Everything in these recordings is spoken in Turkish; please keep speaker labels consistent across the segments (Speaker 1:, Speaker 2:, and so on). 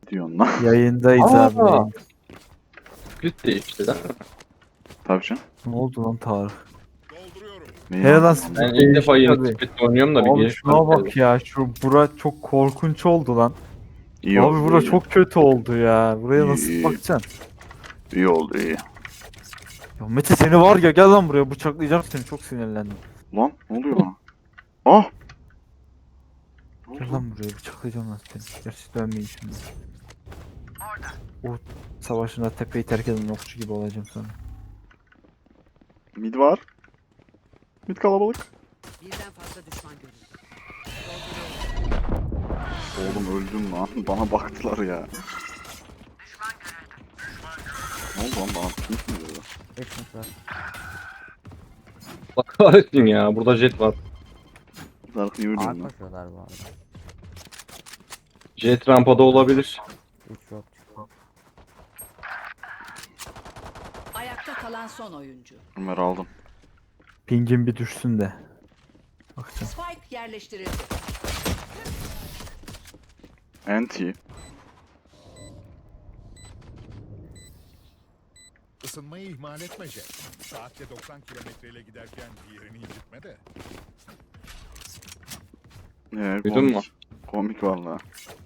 Speaker 1: Diyorsun lan.
Speaker 2: Yayındayız abi.
Speaker 3: Aa!
Speaker 2: Yayında.
Speaker 3: Split değişti lan.
Speaker 1: Tabii canım.
Speaker 2: Ne oldu lan Tarık?
Speaker 1: Neyi
Speaker 2: Hele lan
Speaker 1: aldın?
Speaker 2: split
Speaker 3: Ben ilk defa
Speaker 2: değişti
Speaker 3: yeni
Speaker 2: tabii.
Speaker 3: split oynuyorum da bir
Speaker 2: Abi
Speaker 3: giriş
Speaker 2: şuna
Speaker 3: var.
Speaker 2: bak ya. Şu bura çok korkunç oldu lan.
Speaker 1: İyi
Speaker 2: Abi
Speaker 1: oldu.
Speaker 2: bura
Speaker 1: iyi.
Speaker 2: çok kötü oldu ya. Buraya
Speaker 1: İyi,
Speaker 2: nasıl
Speaker 1: iyi.
Speaker 2: bakacaksın?
Speaker 1: İyi oldu iyi.
Speaker 2: Ya Mete seni var ya, gel lan buraya, bıçaklayacağım seni, çok sinirlendim.
Speaker 1: Lan ne oluyor bana? Ah! Ne
Speaker 2: Gel
Speaker 1: oldu?
Speaker 2: lan buraya, bıçaklayacağım lan seni. Gerçi dönmeyin şimdi. O savaşında tepeyi terk eden okçu gibi olacağım sonra.
Speaker 1: Mid var. Mid kalabalık.
Speaker 4: Birden fazla düşman görüldü.
Speaker 1: Oğlum öldüm lan. Bana baktılar ya. Ne oldu lan bana? Pink mi dedi?
Speaker 2: Ekmek var.
Speaker 3: Bak kahretsin ya. Burada jet var.
Speaker 1: Zarf niye ölüyorsun
Speaker 5: Ağır
Speaker 1: lan?
Speaker 5: koşuyorlar bu arada.
Speaker 3: Jet rampada olabilir.
Speaker 5: 3 yok çıktı.
Speaker 4: Ayakta kalan son oyuncu.
Speaker 1: Ömer aldım.
Speaker 2: Pingin bir düşsün de. Bakacağım.
Speaker 4: Spike yerleştirildi.
Speaker 1: Anti.
Speaker 6: Isınmayı ihmal etme Jet. Saatte 90 kilometreyle giderken bir yerini incitme de.
Speaker 1: Komik.
Speaker 3: Duydun mu?
Speaker 1: Komik valla.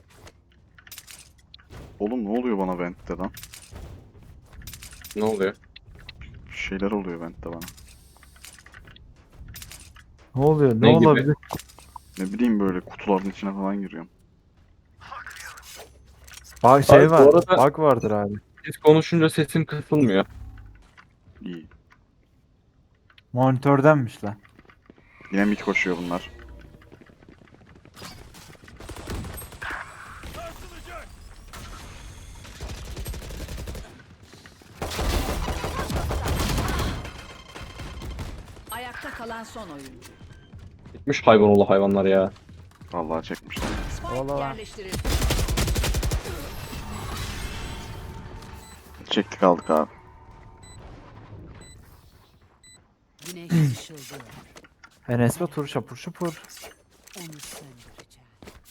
Speaker 1: Oğlum ne oluyor bana Vent'te lan?
Speaker 3: Ne oluyor?
Speaker 1: Bir şeyler oluyor Vent'te bana.
Speaker 2: Ne oluyor? Ne,
Speaker 3: Ne gibi?
Speaker 2: olabilir?
Speaker 1: Ne bileyim böyle kutuların içine falan giriyorum.
Speaker 2: Bak şey
Speaker 3: Abi bu
Speaker 2: var.
Speaker 3: arada-
Speaker 2: Bug vardır abi.
Speaker 3: Siz konuşunca sesim kısılmıyor.
Speaker 1: İyi.
Speaker 2: Monitördenmiş lan.
Speaker 1: Yine mid koşuyor bunlar.
Speaker 4: Ayakta kalan son oyuncu.
Speaker 3: Gitmiş hayvanoğlu hayvanlar ya.
Speaker 1: Vallahi çekmişler.
Speaker 4: Spike
Speaker 5: Ola.
Speaker 4: yerleştirildi.
Speaker 1: Çektik aldık abi.
Speaker 4: Güneş ışıldıyor.
Speaker 2: Enes Batur şapur şupur.
Speaker 4: Onu söndüreceğim.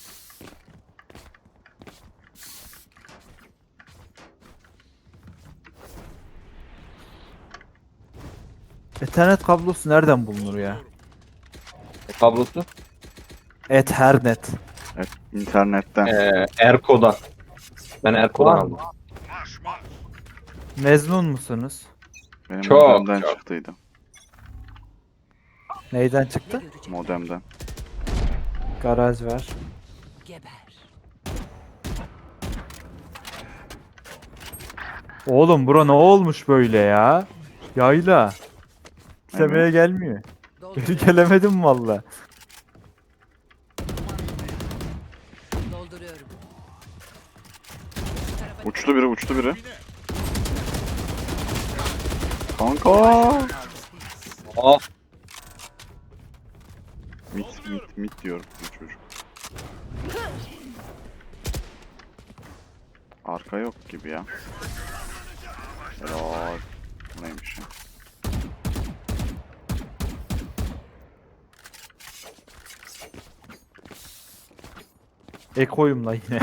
Speaker 2: Ethernet kablosu nereden bulunur ya?
Speaker 3: Kablosu.
Speaker 2: Ethernet.
Speaker 1: Evet, internetten.
Speaker 3: Erko'dan. Ben Erko'dan
Speaker 2: Var
Speaker 3: aldım.
Speaker 2: mı? Mezun musunuz?
Speaker 1: Benim
Speaker 3: Çok,
Speaker 1: modemden
Speaker 3: çok.
Speaker 1: çıktıydı.
Speaker 2: Neyden
Speaker 4: Ne
Speaker 2: çıktı?
Speaker 4: görecek?
Speaker 1: Modemden.
Speaker 2: Garaj var.
Speaker 4: Geber.
Speaker 2: Oğlum bura ne olmuş böyle ya? Yayla. İstemeye
Speaker 1: Evet.
Speaker 2: gelmiyor. Geri
Speaker 4: Dolduruyorum.
Speaker 2: gelemedim valla.
Speaker 4: Dolduruyorum.
Speaker 1: Uçtu biri uçtu biri. Kanka.
Speaker 3: Ah,
Speaker 1: Mit diyorum bu çocuk. Arka yok gibi ya. Helal. Bu neymiş ya?
Speaker 2: Ekoyum la yine.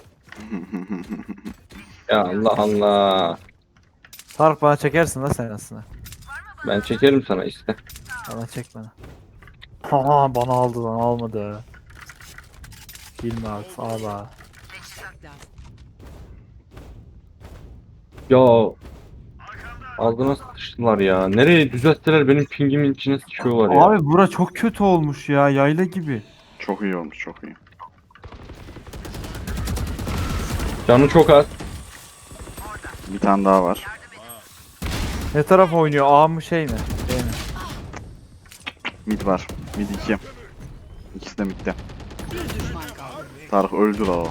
Speaker 3: ya Allah Allah.
Speaker 2: Tarık bana çekersin la sen aslında.
Speaker 3: Ben çekerim sana işte.
Speaker 2: Bana çek bana. Ha bana aldı lan, almadı. Bilme artık ağla.
Speaker 3: Ya ağzına sıçtılar ya. Nereye düzelttiler benim pingimin içine sıçıyorlar ya.
Speaker 2: Abi bura çok kötü olmuş ya, yayla gibi.
Speaker 1: Çok iyi olmuş çok iyi.
Speaker 3: Canı çok az.
Speaker 1: Bir tane daha var.
Speaker 2: Ne taraf oynuyor, A mı şey mi? Şey mi?
Speaker 1: Mid var. Mid 2. İkisi de midde.
Speaker 4: Bir düşman kaldı.
Speaker 1: Tarık öldü la o.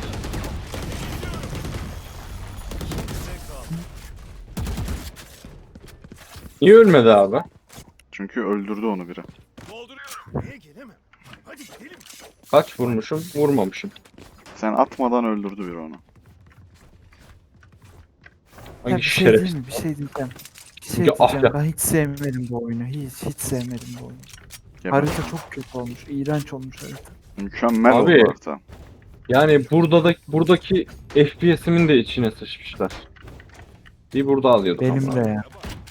Speaker 3: Niye ölmedi abi?
Speaker 1: Çünkü öldürdü onu biri.
Speaker 3: Kaç vurmuşum? Vurmamışım.
Speaker 1: Sen atmadan öldürdü biri onu.
Speaker 2: Ya
Speaker 3: Hangi
Speaker 2: bir şey
Speaker 3: şerefsiz?
Speaker 2: diyeyim mi? Bir şey diyeceğim. Bir şey
Speaker 3: Ya, ah
Speaker 2: diyeceğim.
Speaker 3: ya.
Speaker 2: Ben hiç sevmedim bu oyunu. Hiç sevmedim bu oyunu.
Speaker 1: Geber.
Speaker 2: Harita çok kötü olmuş. İğrenç olmuş harita.
Speaker 1: Mükemmel
Speaker 3: Abi.
Speaker 1: oldu harita.
Speaker 3: Yani buradaki FPS'imin de içine sıçmışlar. Bir burada alıyorduk
Speaker 2: Benim
Speaker 3: ama.
Speaker 2: de ya.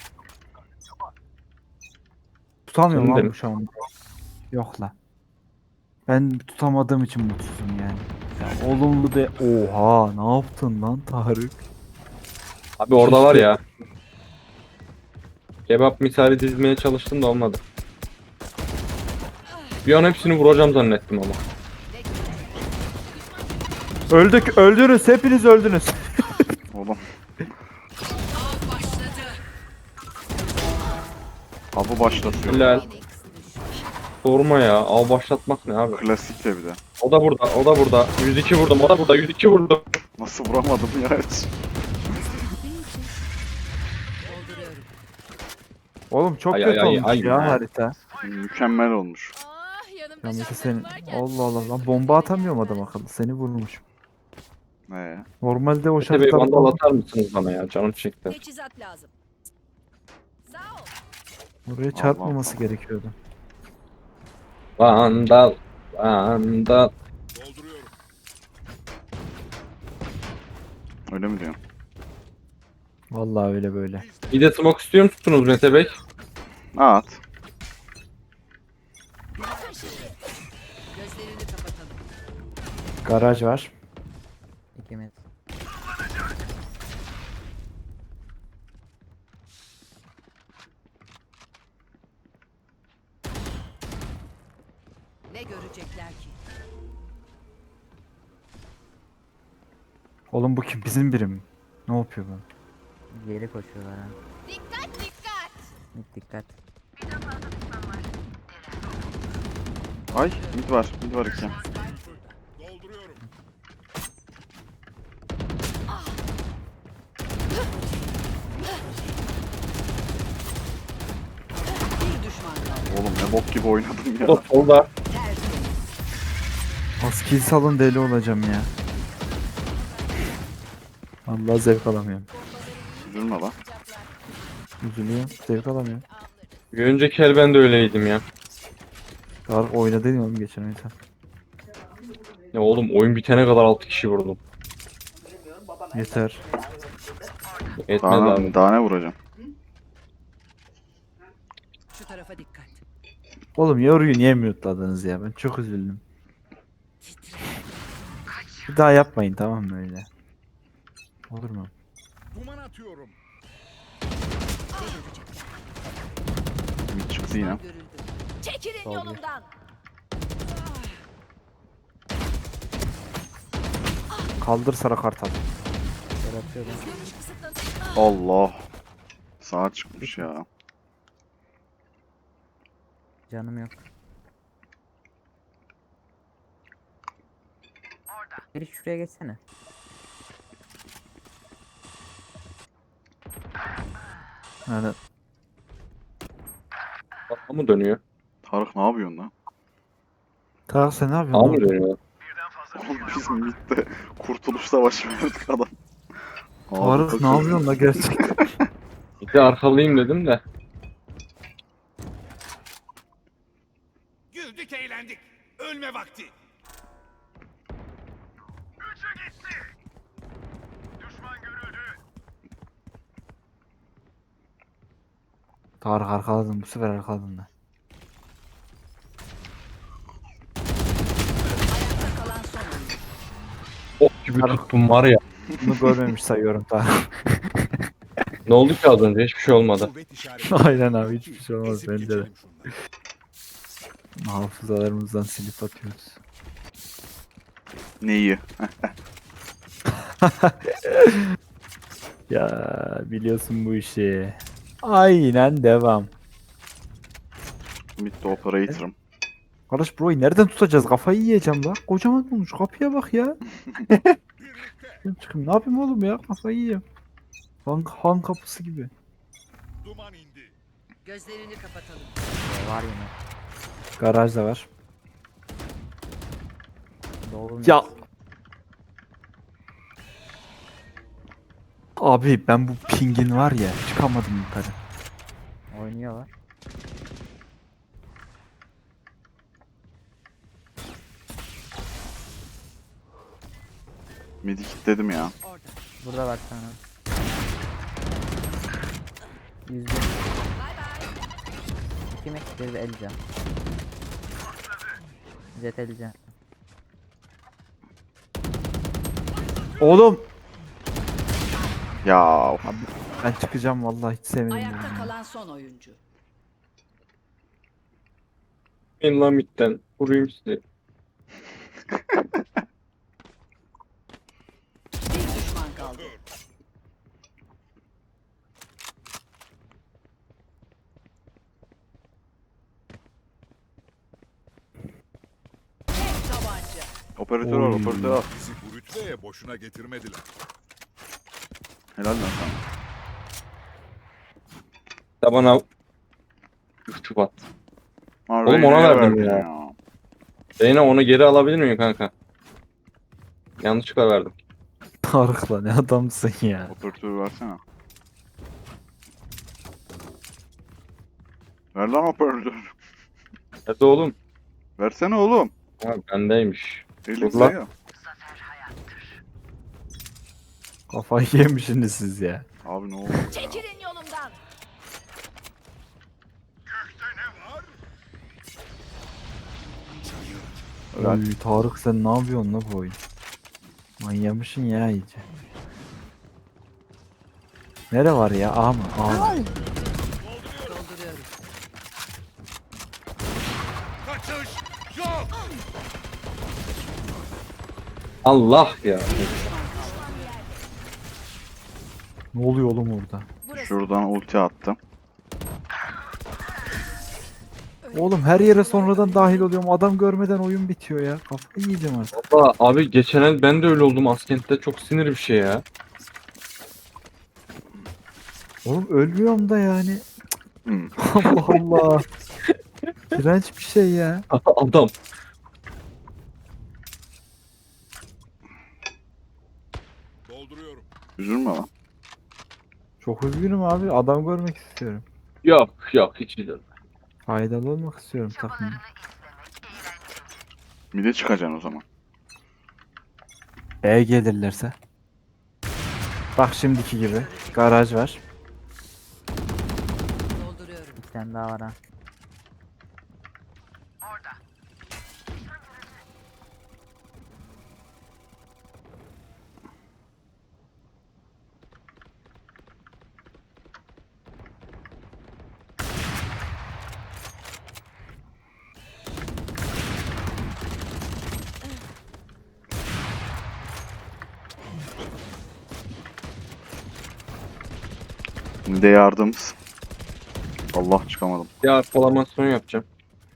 Speaker 2: Tutamıyorum
Speaker 3: Senin de
Speaker 2: abi
Speaker 3: mi?
Speaker 2: bu şu an. Yok la. Ben tutamadığım için mutsuzum yani. Ya olumlu de oha ne yaptın lan Tarık?
Speaker 3: Abi orada var
Speaker 2: Şişti.
Speaker 3: ya. Kebap misali dizmeye çalıştım da olmadı. Bir an hepsini vuracağım zannettim ama.
Speaker 2: Öldük öldünüz hepiniz öldünüz.
Speaker 1: Oğlum. Avı başlatıyor.
Speaker 3: Helal. Sorma ya. Av başlatmak ne abi?
Speaker 1: Klasik de bir de.
Speaker 3: O da burada. O da burada. 102 vurdum. O da burada. 102 vurdum.
Speaker 1: Nasıl vuramadım ya hiç.
Speaker 4: Dolduruyorum.
Speaker 2: Oğlum çok
Speaker 3: Ay,
Speaker 2: kötü
Speaker 3: ay,
Speaker 2: olmuş
Speaker 3: ay,
Speaker 2: ya
Speaker 3: ay.
Speaker 2: harita.
Speaker 1: Mükemmel olmuş.
Speaker 5: Ah yanımda
Speaker 2: Ya Mete
Speaker 5: şanslarım
Speaker 2: sen
Speaker 5: varken.
Speaker 2: Allah Allah lan bomba atamıyorum adam akıllı seni vurmuş.
Speaker 1: Ne?
Speaker 2: Normalde o
Speaker 3: Mete Bey
Speaker 2: şartlarda
Speaker 3: vandal atar mısınız bana ya? Canım çekti.
Speaker 5: Teçhizat lazım. Sağ ol.
Speaker 2: buraya çarpmaması gerekiyordu.
Speaker 3: Vandal. Vandal.
Speaker 6: Dolduruyorum.
Speaker 1: Öyle mi diyorsun?
Speaker 2: Vallahi öyle böyle.
Speaker 3: Bir de smoke istiyor musunuz Mete Bey?
Speaker 1: At.
Speaker 4: Gözlerini kapatalım.
Speaker 2: Garaj var.
Speaker 7: İkimiz.
Speaker 4: Ne görecekler ki?
Speaker 2: Oğlum bu kim bizim biri mi? Ne yapıyor bu?
Speaker 7: Geri koşuyorlar ha.
Speaker 5: Dikkat dikkat.
Speaker 7: Dikkat.
Speaker 1: Ay mid var. Mid var iki.
Speaker 6: Dolduruyorum.
Speaker 4: Bir düşman kaldı.
Speaker 1: Oğlum ne bok gibi oynadım ya.
Speaker 3: O solda.
Speaker 4: Tertemiz.
Speaker 2: Az kill salın deli olacağım ya. Allah zevk alamıyorum.
Speaker 1: Üzülme lan.
Speaker 2: Üzülüyorum. Zevk alamıyorum.
Speaker 3: Bir önceki el ben de öyleydim ya.
Speaker 2: Tarık oynadın oğlum geçen oyunda.
Speaker 3: Ya oğlum oyun bitene kadar 6 kişi vurdum.
Speaker 2: Yeter.
Speaker 3: Etmez
Speaker 1: Daha,
Speaker 3: abi.
Speaker 1: daha ne vuracağım?
Speaker 4: Şu tarafa dikkat.
Speaker 2: Oğlum yoruyu niye mute'ladınız ya? Ben çok üzüldüm. Bir daha yapmayın tamam mı öyle? Olur mu?
Speaker 6: Duman atıyorum.
Speaker 4: Ne görecekler?
Speaker 1: Mid çıktı yine.
Speaker 4: Görüldü.
Speaker 5: Çekilin yolumdan.
Speaker 2: Kaldır sarı kartal.
Speaker 7: Bırakıyorum.
Speaker 5: Görüş kısıtlanıyor.
Speaker 1: Allah. Sağa çıkmış ya.
Speaker 7: Canım yok. Biri şuraya geçsene.
Speaker 2: Yani
Speaker 3: A mı dönüyor?
Speaker 1: Tarık ne yapıyorsun lan?
Speaker 2: Tarık sen ne
Speaker 3: A
Speaker 2: yapıyorsun?
Speaker 3: mı
Speaker 2: lan?
Speaker 3: dönüyor?
Speaker 1: Oğlum biz midde kurtuluş savaşı verdik adam.
Speaker 2: Tarık
Speaker 1: Ağzı
Speaker 2: ne yapıyorsun la gerçekten?
Speaker 3: Bir de arkalıyım dedim de.
Speaker 6: Güldük eğlendik. Ölme vakti.
Speaker 2: Tarık arkaladın bu sefer arkaladın da.
Speaker 4: Ayakta kalan son oyuncu.
Speaker 3: Ok gibi tuttum var ya.
Speaker 2: Bunu görmemiş sayıyorum Tarık.
Speaker 3: Ne oldu ki az önce? Hiçbir şey olmadı.
Speaker 6: Kuvvet işareti.
Speaker 2: Aynen abi hiçbir şey olmaz
Speaker 6: Ezip
Speaker 2: bence de.
Speaker 6: geçelim şunları.
Speaker 2: Hafızalarımızdan silip atıyoruz.
Speaker 1: Neyi?
Speaker 2: Ya biliyorsun bu işi. Aynen devam.
Speaker 1: Midde operator'ım.
Speaker 2: Kardeş burayı nereden tutacağız? Kafayı yiyeceğim la. Kocaman olmuş. Kapıya bak ya. Ben çıkayım. Ne yapayım oğlum ya? Kafayı yiyeyim. Han kapısı gibi.
Speaker 6: Duman indi.
Speaker 4: Gözlerini kapatalım.
Speaker 7: Var yine.
Speaker 2: Garaj da var.
Speaker 7: Doğru mu?
Speaker 2: Ya. Abi ben bu pingin var ya çıkamadım yukarı.
Speaker 7: Oynuyorlar.
Speaker 1: Midi kilitledim ya.
Speaker 4: Orada.
Speaker 7: Burada var sana. 101.
Speaker 5: Bay bay.
Speaker 7: Kim ektir de Elcan. Jet Elcan.
Speaker 2: Oğlum.
Speaker 1: Ya of.
Speaker 2: Ben çıkacağım vallahi hiç sevmedim.
Speaker 4: Ayakta
Speaker 2: bunu.
Speaker 4: kalan son oyuncu.
Speaker 3: Ben Lamit'ten vurayım sizi.
Speaker 4: Bir düşman kaldı. Tek tabanca.
Speaker 1: Operatör al,
Speaker 2: Oy.
Speaker 1: operatör al.
Speaker 6: Bizi bu rütbeye boşuna getirmediler.
Speaker 1: Helal lan sana.
Speaker 3: Da bana üstü bat.
Speaker 1: Ha,
Speaker 3: Oğlum ona
Speaker 1: Reyna'ya
Speaker 3: verdim
Speaker 1: verdin
Speaker 3: ya. Reyna onu geri alabilir miyim kanka? Yanlışlıkla verdim.
Speaker 2: Tarık lan ne adamsın ya.
Speaker 1: Operatörü versene. Ver lan operatör.
Speaker 3: Nerede oğlum?
Speaker 1: Versene oğlum.
Speaker 3: Ha, bendeymiş.
Speaker 1: Elik
Speaker 3: Dur lan.
Speaker 1: ya.
Speaker 2: Kafayı yemişsiniz siz ya.
Speaker 1: Abi ne oldu ya?
Speaker 5: Çekilin yolumdan.
Speaker 1: Helal.
Speaker 2: Oy, Tarık sen ne yapıyorsun la bu oyun? Manyamışsın ya iyice. Nere var ya? A mı? A mı?
Speaker 4: Dolduruyorum.
Speaker 6: Kaçış yok.
Speaker 3: Allah ya.
Speaker 2: Ne oluyor oğlum orada?
Speaker 1: Şuradan ulti attım.
Speaker 2: Oğlum her yere sonradan dahil oluyorum. Adam görmeden oyun bitiyor ya. Kafayı yiyeceğim artık.
Speaker 3: Valla abi geçen el ben de öyle oldum Askent'te. Çok sinir bir şey ya.
Speaker 2: Oğlum ölmüyorum da yani.
Speaker 1: Hmm.
Speaker 2: Allah Allah. İğrenç bir şey ya.
Speaker 3: Adam.
Speaker 6: Dolduruyorum.
Speaker 1: Üzülme lan.
Speaker 2: Çok üzgünüm abi. Adam görmek istiyorum.
Speaker 3: Yok yok hiç değil.
Speaker 2: Faydalı olmak istiyorum takımda.
Speaker 1: Mide çıkacaksın o zaman.
Speaker 2: E gelirlerse. Bak şimdiki gibi. Garaj var.
Speaker 4: Dolduruyorum.
Speaker 7: Bir tane daha var ha.
Speaker 1: Mide yardımız. Allah çıkamadım.
Speaker 3: Ya formasyon yapacağım.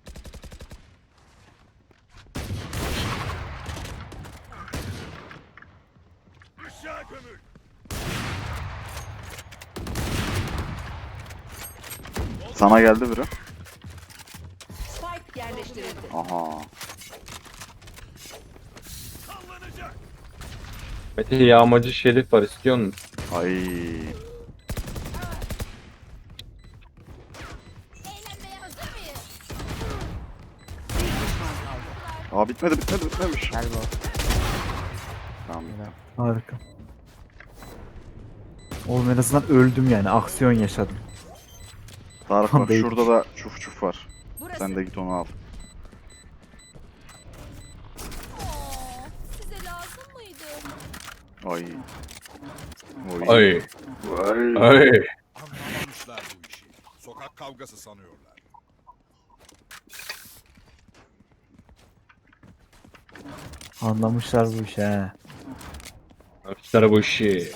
Speaker 6: Aşağı gömül.
Speaker 1: Sana geldi biri.
Speaker 4: Spike yerleştirildi.
Speaker 1: Aha.
Speaker 6: Sallanacak.
Speaker 3: Mete yağmacı şerif var istiyor musun?
Speaker 1: Ay.
Speaker 5: Eğlenmeye hazır mıyız?
Speaker 4: Bir düşman kaldı.
Speaker 1: Aa bitmemiş.
Speaker 7: Gel bu.
Speaker 1: Tamam.
Speaker 2: Harika. Oğlum en azından öldüm yani. Aksiyon yaşadım.
Speaker 1: Tarık bak
Speaker 2: Değil.
Speaker 1: şurada da çuf çuf var.
Speaker 4: Burası.
Speaker 1: Sen de git onu al.
Speaker 5: Size lazım mıydı?
Speaker 1: Ay.
Speaker 3: Ay.
Speaker 1: Ay.
Speaker 3: Ay.
Speaker 6: Anlamamışlar bu işi. Sokak kavgası sanıyorlar.
Speaker 2: Anlamışlar bu işi he.
Speaker 3: Arkadaşlar bu işi.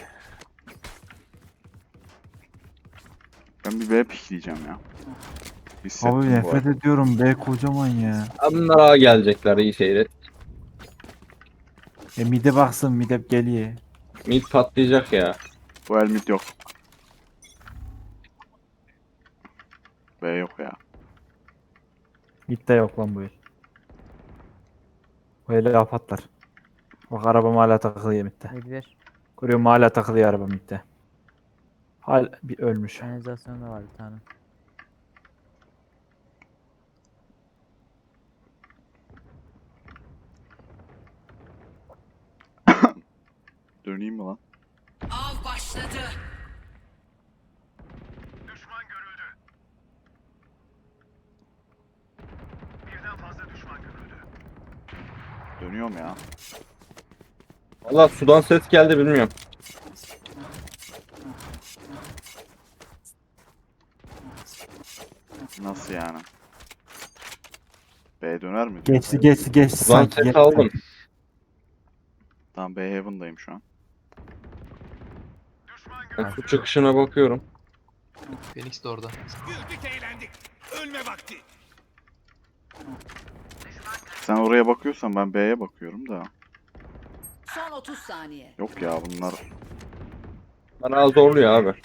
Speaker 1: Ben bir B pikleyeceğim ya. Hissettim
Speaker 2: Abi
Speaker 1: bu
Speaker 2: nefret
Speaker 1: arada.
Speaker 2: ediyorum be kocaman ya.
Speaker 3: Bunlara gelecekler iyi seyret.
Speaker 2: Mide baksın mide geliyor.
Speaker 3: Mid patlayacak ya.
Speaker 1: Bu el mid yok. B yok ya.
Speaker 2: Midde yok lan bu el. Bu eli apatlar. Bak arabam hala takılıyor midde.
Speaker 7: Mid 1.
Speaker 2: Görüyorum hala takılıyor araba midde. Hala bir ölmüş.
Speaker 7: Kanalizasyonda var bir tane.
Speaker 1: Döneyim mi lan?
Speaker 4: Av başladı.
Speaker 1: Dönüyorum ya.
Speaker 3: Valla sudan ses geldi bilmiyorum.
Speaker 1: Nasıl yani? B döner mi?
Speaker 2: Geçti geçti geçti
Speaker 3: Sudan
Speaker 2: sanki.
Speaker 3: ses
Speaker 2: geçti.
Speaker 3: aldım.
Speaker 1: Tamam, B Heaven'dayım şu an.
Speaker 3: Ben su çıkışına bakıyorum.
Speaker 8: Phoenix de orada.
Speaker 6: Güldük eğlendik. Ölme vakti.
Speaker 1: Sen oraya bakıyorsan ben B'ye bakıyorum da.
Speaker 4: Son 30 saniye.
Speaker 1: Yok ya bunlar.
Speaker 3: Bana zorluyor abi.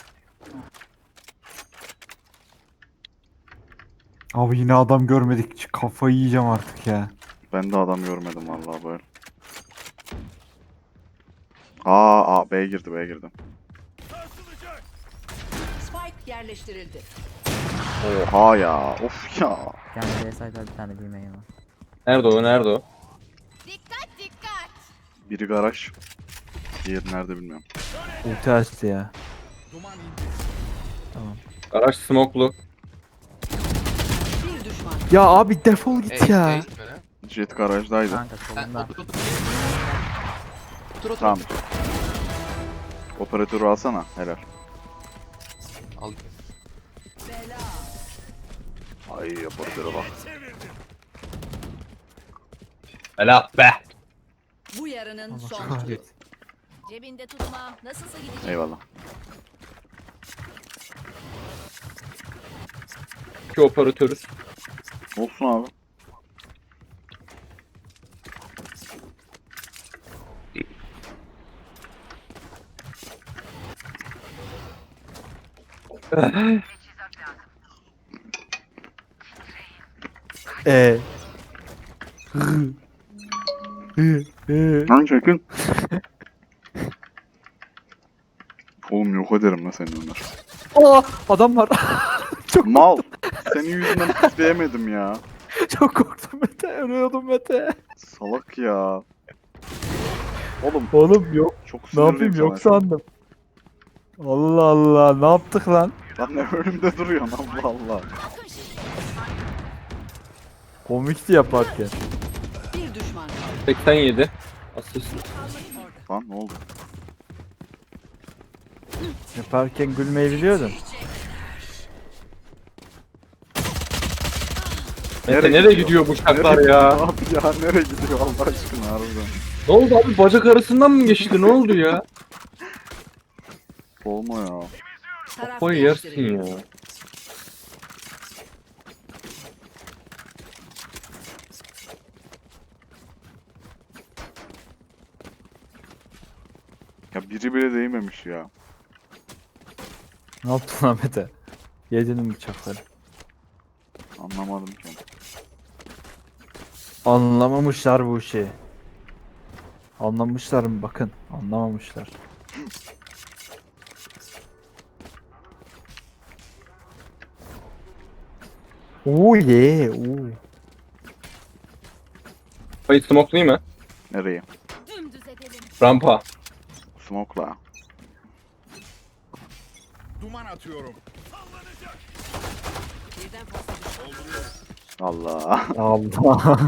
Speaker 2: Abi yine adam görmedik. Kafayı yiyeceğim artık ya.
Speaker 1: Ben de adam görmedim vallahi böyle. Aa, B'ye girdi, B'ye girdi.
Speaker 4: Spike yerleştirildi.
Speaker 1: Oha ya. Of ya.
Speaker 7: Kendi B site'da bir tane bilmeyin var.
Speaker 3: Nerede o? Nerede o?
Speaker 5: Dikkat dikkat.
Speaker 1: Biri garaj. Diğeri nerede bilmiyorum.
Speaker 2: Ulti açtı ya.
Speaker 6: Duman indi.
Speaker 3: Garaj smoke'lu.
Speaker 4: Bir düşman.
Speaker 2: Ya abi defol git
Speaker 8: Ace,
Speaker 2: ya.
Speaker 8: ace böyle.
Speaker 1: Jet garajdaydı.
Speaker 7: Kanka
Speaker 8: Ha,
Speaker 7: solunda.
Speaker 8: otur otur. Otur otur.
Speaker 1: Tamam. Operatörü alsana. Helal.
Speaker 8: Al.
Speaker 4: Bela.
Speaker 1: Ay operatöre bak.
Speaker 3: Ela be.
Speaker 4: Bu yarının
Speaker 2: Allah
Speaker 4: son turu.
Speaker 2: kahretsin.
Speaker 5: Cebinde tutma. Nasılsa gidecek.
Speaker 1: Eyvallah.
Speaker 3: İki operatörüz.
Speaker 1: Olsun abi.
Speaker 2: Hı.
Speaker 1: Lan çekin. Oğlum yok ederim lan seni Ömer.
Speaker 2: Aa, adam var.
Speaker 1: Mal. Senin yüzünden pisleyemedim ya.
Speaker 2: Çok korktum Mete. Ölüyordum Mete.
Speaker 1: Salak ya. Oğlum
Speaker 2: Oğlum yok.
Speaker 1: çok
Speaker 2: Ne
Speaker 1: sinirliyim
Speaker 2: yapayım
Speaker 1: sana
Speaker 2: yok
Speaker 1: şu an.
Speaker 2: sandım. Allah Allah. Ne yaptık lan?
Speaker 1: Lan ne önümde duruyorsun Allah Allah.
Speaker 2: Komikti yaparken.
Speaker 4: Bir düşman kaldı.
Speaker 3: 87. Asist.
Speaker 1: Lan ne oldu?
Speaker 2: Yaparken gülmeyi biliyordun.
Speaker 3: Mete nereye gidiyor bu şaklar ya?
Speaker 1: Abi ya nereye gidiyor Allah aşkına harbiden.
Speaker 3: Ne oldu abi? Bacak arasından mı geçti? Ne oldu ya?
Speaker 1: Olma ya.
Speaker 4: Taraf
Speaker 3: Kafayı yersin
Speaker 4: değiştirildi.
Speaker 3: ya.
Speaker 1: Ya biri bile değmemiş ya.
Speaker 2: Ne yaptın lan Mete? Yedin mi bıçakları?
Speaker 1: Anlamadım ki.
Speaker 2: Anlamamışlar bu işi. Anlamışlar mı bakın. Anlamamışlar. Oo ye. Oo.
Speaker 3: Hayır smoke değil mi?
Speaker 1: Nereye?
Speaker 5: Dümdüz edelim.
Speaker 3: Rampa.
Speaker 1: Smoke'la.
Speaker 6: Duman atıyorum.
Speaker 4: Birden fazla düşman.
Speaker 1: Allah.
Speaker 2: Allah.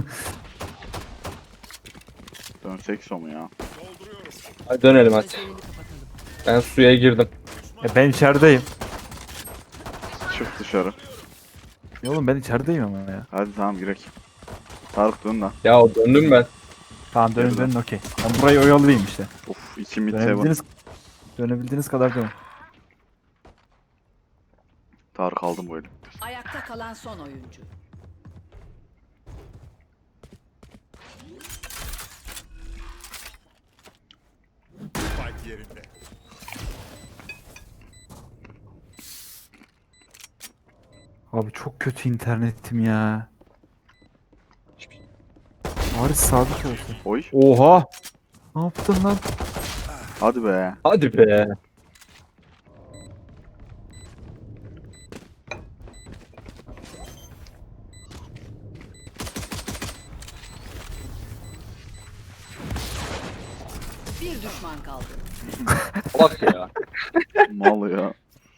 Speaker 1: Dönsek so mu ya?
Speaker 6: Dolduruyorum.
Speaker 3: Hadi dönelim hadi.
Speaker 4: Gözlerini kapatalım.
Speaker 3: Ben suya girdim.
Speaker 2: Ben içerideyim.
Speaker 1: Çık dışarı.
Speaker 2: Ya oğlum ben içerideyim ama ya.
Speaker 1: Hadi tamam girek. Tarık dön lan.
Speaker 3: Ya döndüm ben.
Speaker 2: Tamam dönün
Speaker 1: Nereden?
Speaker 2: dönün okey. Ben burayı oyalayayım işte.
Speaker 1: Of 2 mid 7.
Speaker 2: Dönebildiğiniz kadar dönün.
Speaker 1: Tarık aldım böyle.
Speaker 4: Ayakta kalan son oyuncu.
Speaker 6: Spike yerinde.
Speaker 2: Abi çok kötü internetim ya. Bari sabit olsun.
Speaker 1: Oy.
Speaker 2: Oha! Ne yaptın lan?
Speaker 1: Hadi be.
Speaker 3: Hadi be.
Speaker 4: Bir düşman kaldı.
Speaker 3: Bak ya.
Speaker 1: Mal ya.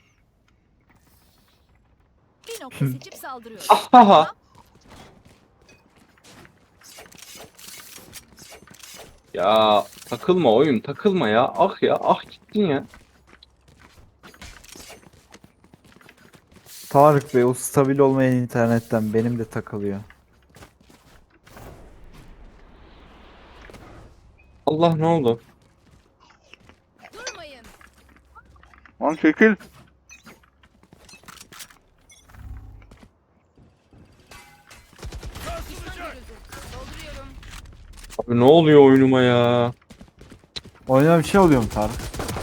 Speaker 5: Bir nokta seçip saldırıyorum.
Speaker 3: Aha. Ya takılma oyun takılma ya. Ah ya ah gittin ya.
Speaker 2: Tarık Bey o stabil olmayan internetten benim de takılıyor.
Speaker 3: Allah ne oldu?
Speaker 5: Durmayın.
Speaker 1: Lan çekil.
Speaker 5: Düşman görüldü. Dolduruyorum.
Speaker 3: Abi ne oluyor oyunuma ya?
Speaker 2: Oyuna bir şey oluyor mu Tarık?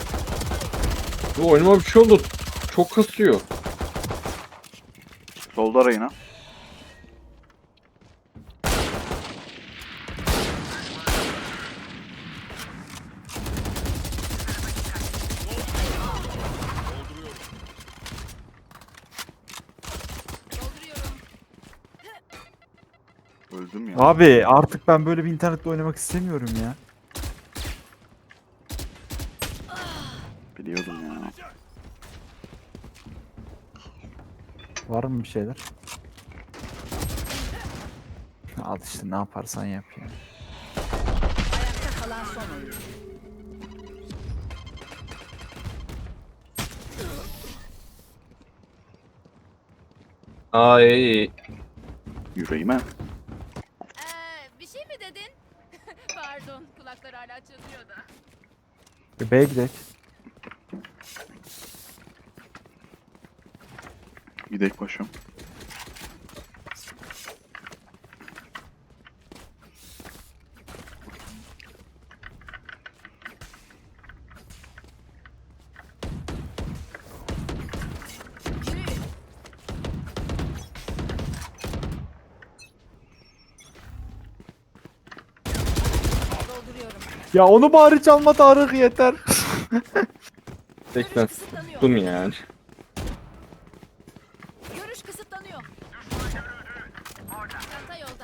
Speaker 3: Bu oyunuma bir şey oldu. Çok kasıyor.
Speaker 1: Solda Reyna.
Speaker 5: Dolduruyorum.
Speaker 1: Öldüm ya.
Speaker 2: Abi artık ben böyle bir internette oynamak istemiyorum ya.
Speaker 1: Biliyordum ya.
Speaker 2: Var mı bir şeyler? Al işte ne yaparsan yap ya.
Speaker 4: Ayakta kalan son oyuncu.
Speaker 3: Ay.
Speaker 1: Yüreğime.
Speaker 5: Bir şey mi dedin? Pardon, kulaklar hala çınlıyor da.
Speaker 2: B'ye gidelim.
Speaker 1: Gidek başım.
Speaker 5: Yürüyün. Dolduruyorum.
Speaker 2: Ya onu bari çalma Tarık yeter.
Speaker 3: Tekten
Speaker 5: Kısıtlanıyor.
Speaker 3: tuttum yani.
Speaker 5: Görüş kısıtlanıyor. Çanta yolda.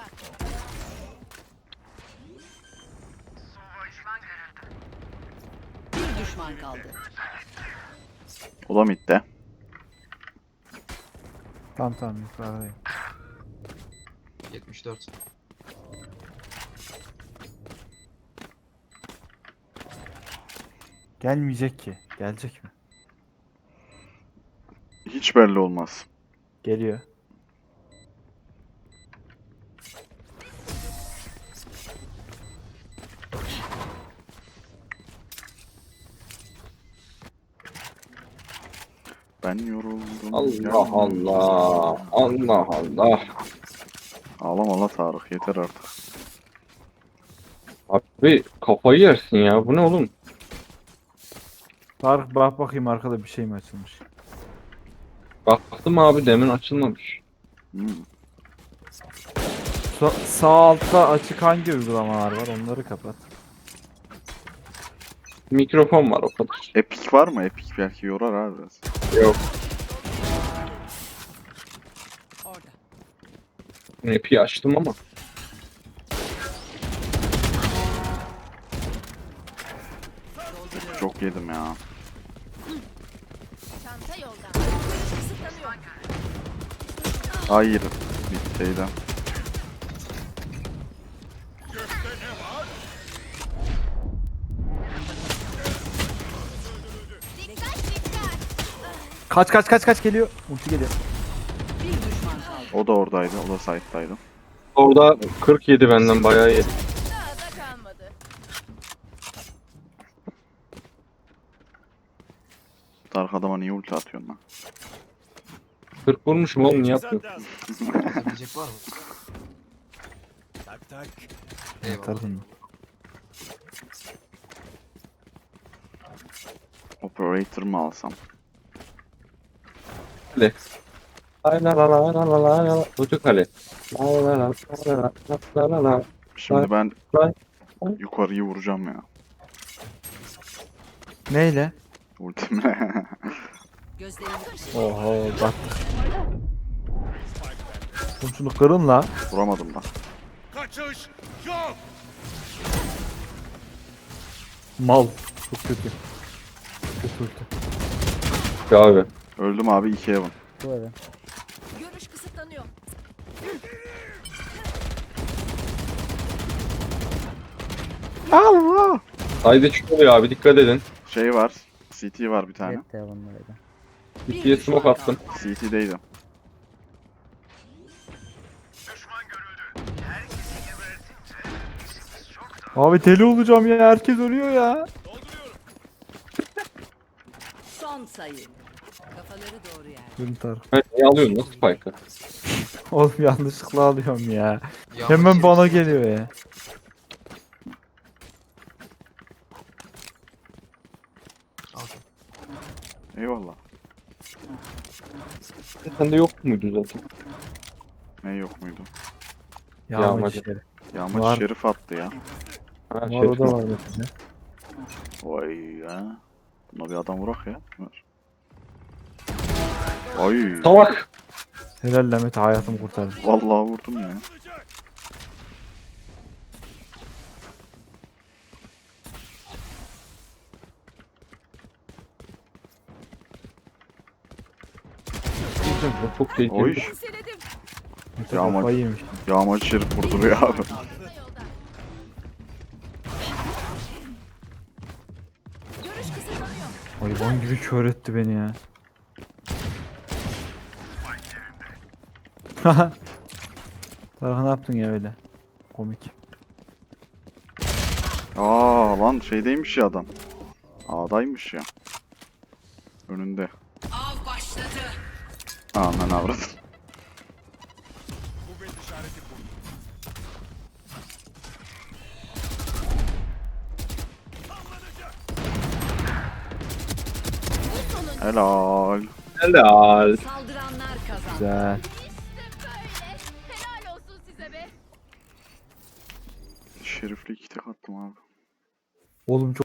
Speaker 4: Bir düşman kaldı.
Speaker 1: O da midde.
Speaker 2: Tamam yukarıdayım.
Speaker 8: 74.
Speaker 2: Gelmeyecek ki. Gelecek mi?
Speaker 1: Hiç belli olmaz.
Speaker 2: Geliyor.
Speaker 1: Ben yoruldum.
Speaker 3: Allah Allah. Allah Allah.
Speaker 1: Ağlama la Tarık yeter artık.
Speaker 3: Abi kafayı yersin ya. Bu ne oğlum?
Speaker 2: Tarık bak bakayım arkada bir şey mi açılmış?
Speaker 3: Baktım abi demin açılmamış.
Speaker 1: Hmm.
Speaker 2: Sağ altta açık hangi uygulamalar var onları kapat.
Speaker 3: Mikrofon var o kadar.
Speaker 1: Epic var mı? Epic belki yorar abi biraz.
Speaker 3: Yok.
Speaker 4: Orada.
Speaker 3: App'i açtım ama.
Speaker 1: Çok yedim ya.
Speaker 5: Çanta yolda. Görüş kısıtlanıyor.
Speaker 1: Hayır. Middeyden.
Speaker 5: Dikkat dikkat.
Speaker 2: Kaç geliyor. Ulti geliyor.
Speaker 4: Bir düşman kaldı.
Speaker 1: O da oradaydı. O da site'daydı.
Speaker 3: Orada 47 benden bayağı iyi.
Speaker 5: Daha da kalmadı.
Speaker 1: Tarık adama niye ulti atıyorsun lan?
Speaker 3: 40 vurmuşum oğlum niye yapmıyorsun?
Speaker 8: Hazır diyecek var mı?
Speaker 6: Tak tak.
Speaker 8: Eyvallah.
Speaker 2: Tarık'ın.
Speaker 1: Operator mı alsam?
Speaker 3: Kale. Lay la la la la la la la. Çocuk kale. La la la la la la la la.
Speaker 1: Şimdi ben
Speaker 3: Vay.
Speaker 1: yukarıyı vuracağım ya.
Speaker 2: Neyle?
Speaker 1: Ultimle.
Speaker 4: Gözlerini
Speaker 2: Oho battık. Oğlum şunu kırın la.
Speaker 1: Vuramadım da.
Speaker 6: Kaçış yok.
Speaker 2: Mal. Çok kötü. ulti.
Speaker 3: Abi.
Speaker 1: Öldüm abi 2 Heaven.
Speaker 7: Bu arada.
Speaker 5: Görüş kısıtlanıyor.
Speaker 1: Allah!
Speaker 3: Haydi çıkıyor abi dikkat edin.
Speaker 1: Şey var. CT var bir tane.
Speaker 7: Jet de bunlarıydı.
Speaker 3: İkiye smoke attım.
Speaker 1: CT'deydim.
Speaker 2: Abi deli olacağım ya. Herkes ölüyor ya.
Speaker 4: Son sayı. Kafaları doğru yer.
Speaker 2: Yürü Tarık.
Speaker 3: Ben niye alıyorsun nasıl spike'ı?
Speaker 2: Oğlum yanlışlıkla alıyorum ya.
Speaker 8: Yağmur
Speaker 2: Hemen
Speaker 8: yeri
Speaker 2: bana
Speaker 8: işte.
Speaker 2: geliyor ya.
Speaker 8: Okey.
Speaker 1: Eyvallah.
Speaker 3: Sende yok muydu zaten?
Speaker 1: Ne yok muydu?
Speaker 2: Yağmacı
Speaker 3: Yağmacı.
Speaker 2: işleri.
Speaker 1: Yağmacı
Speaker 2: Var.
Speaker 1: Şerif attı ya.
Speaker 3: Ha,
Speaker 2: Var
Speaker 3: şey,
Speaker 2: o da var mesela.
Speaker 1: Vay ya. Buna bir adam vurak ya. Ver. Ay.
Speaker 3: Salak.
Speaker 2: Helal Mete hayatımı kurtardın.
Speaker 1: Vallahi vurdum ya.
Speaker 3: Çok tehlikeli.
Speaker 1: Oy.
Speaker 5: Seledim.
Speaker 2: Mete
Speaker 1: Yağmacı.
Speaker 2: kafayı yemiş.
Speaker 1: Yağmacı Şerif vurduruyor abi.
Speaker 5: Yolda. Görüş kısıtlanıyor.
Speaker 2: Hayvan gibi kör etti beni ya. Tarık ne yaptın ya öyle? Komik.
Speaker 1: Aa lan şeydeymiş ya adam. A'daymış ya. Önünde.
Speaker 4: Av başladı.
Speaker 1: Aman avradım.
Speaker 6: Kuvvet işareti kurdu.
Speaker 1: Helal.
Speaker 3: Helal.
Speaker 4: Saldıranlar kazandı.
Speaker 2: Güzel.
Speaker 5: İşte böyle. Helal olsun size be.
Speaker 1: Şerifli 2 tek attım abi.
Speaker 2: Oğlum çok